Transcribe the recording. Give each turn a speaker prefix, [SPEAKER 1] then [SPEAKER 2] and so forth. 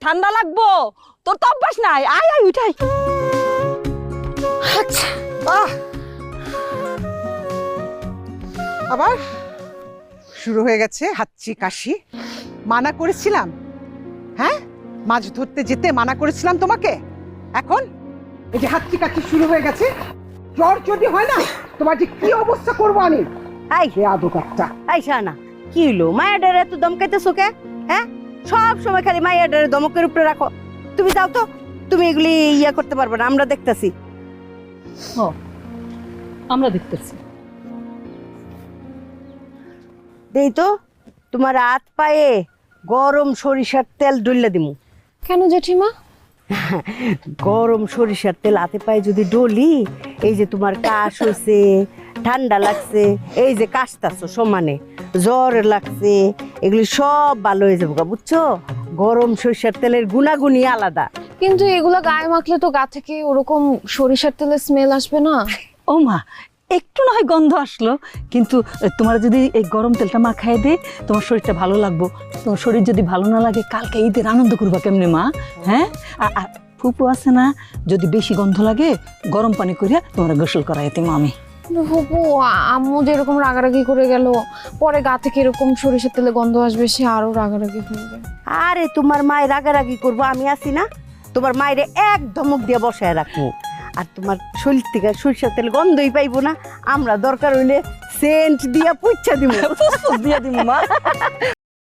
[SPEAKER 1] ঠান্ডা লাগবো। তোর তো অভ্যাস নাই, আয় আয় উঠাই।
[SPEAKER 2] আচ্ছা আবার শুরু হয়ে গেছে হাঁচি কাশি। মানা করেছিলাম, হ্যাঁ মাছ ধরতে যেতে মানা করেছিলাম তোমাকে, এখন এই যে হাঁচি কাশি শুরু হয়ে গেছে। জ্বর যদি হয় না তোমার যে কি অবস্থা করবো আমি।
[SPEAKER 3] এই
[SPEAKER 2] বেয়াদব একটা।
[SPEAKER 3] এই শানা, কি হইলো? মায়া ডারে এত দমকাইতেছো কে? হ্যাঁ, সব সময় খালি মায়া ডারে দমকের উপরে রাখো। তুমি যাও তো, তুমি এগুলি ইয়া করতে পারবে না, আমরা দেখতাছি।
[SPEAKER 1] আমরা দেখতেছি।
[SPEAKER 3] দেই তো তোমার হাত পায়ে গরম সরিষার তেল ডললে দিমু।
[SPEAKER 4] কেন জেঠিমা?
[SPEAKER 3] গরম সরিষার তেল হাতে পায়ে যদি ডলি, এই যে তোমার কাশ হয়েছে, ঠান্ডা লাগছে, এই যে কাশতাছো সমানে, জ্বর লাগছে, এগুলি সব ভালো হয়ে যাবো, বুঝছো? গরম সরিষার তেলের গুণাগুণই আলাদা।
[SPEAKER 4] কিন্তু এগুলা গায়ে মাখলে তো গা থেকে ওরকম সরিষার তেলের স্মেল আসবে না?
[SPEAKER 1] ও মা, একটু না হয় গন্ধ আসলো, কিন্তু তোমার যদি এই গরম তেলটা মাখায় দে, তোমার শরীরটা ভালো লাগবো। তোমার শরীর যদি ভালো না লাগে, কালকে ঈদের আনন্দ করবা কেমনে মা? হ্যাঁ, আর ফুপু আছে না, যদি বেশি গন্ধ লাগে গরম পানি করিয়া তোমার গোসল করাই দিম আমি।
[SPEAKER 4] হবু আম্মু যেরকম রাগারাগি করে গেল, পরে গা থেকে এরকম সরিষার তেলে গন্ধ আসবে, সে আরো রাগারাগি করবে।
[SPEAKER 3] আরে তোমার মায়ের রাগারাগি করবো, আমি আছি না? তোমার মায়ের এক ধমক দিয়ে বসায় রাখবো, আর তোমার শরীর থেকে সরিষার তেল গন্ধই পাইবো না। আমরা দরকার হইলে সেন্ট দিয়া পুচ্ছা দিব,
[SPEAKER 1] দিয়া দিম মা।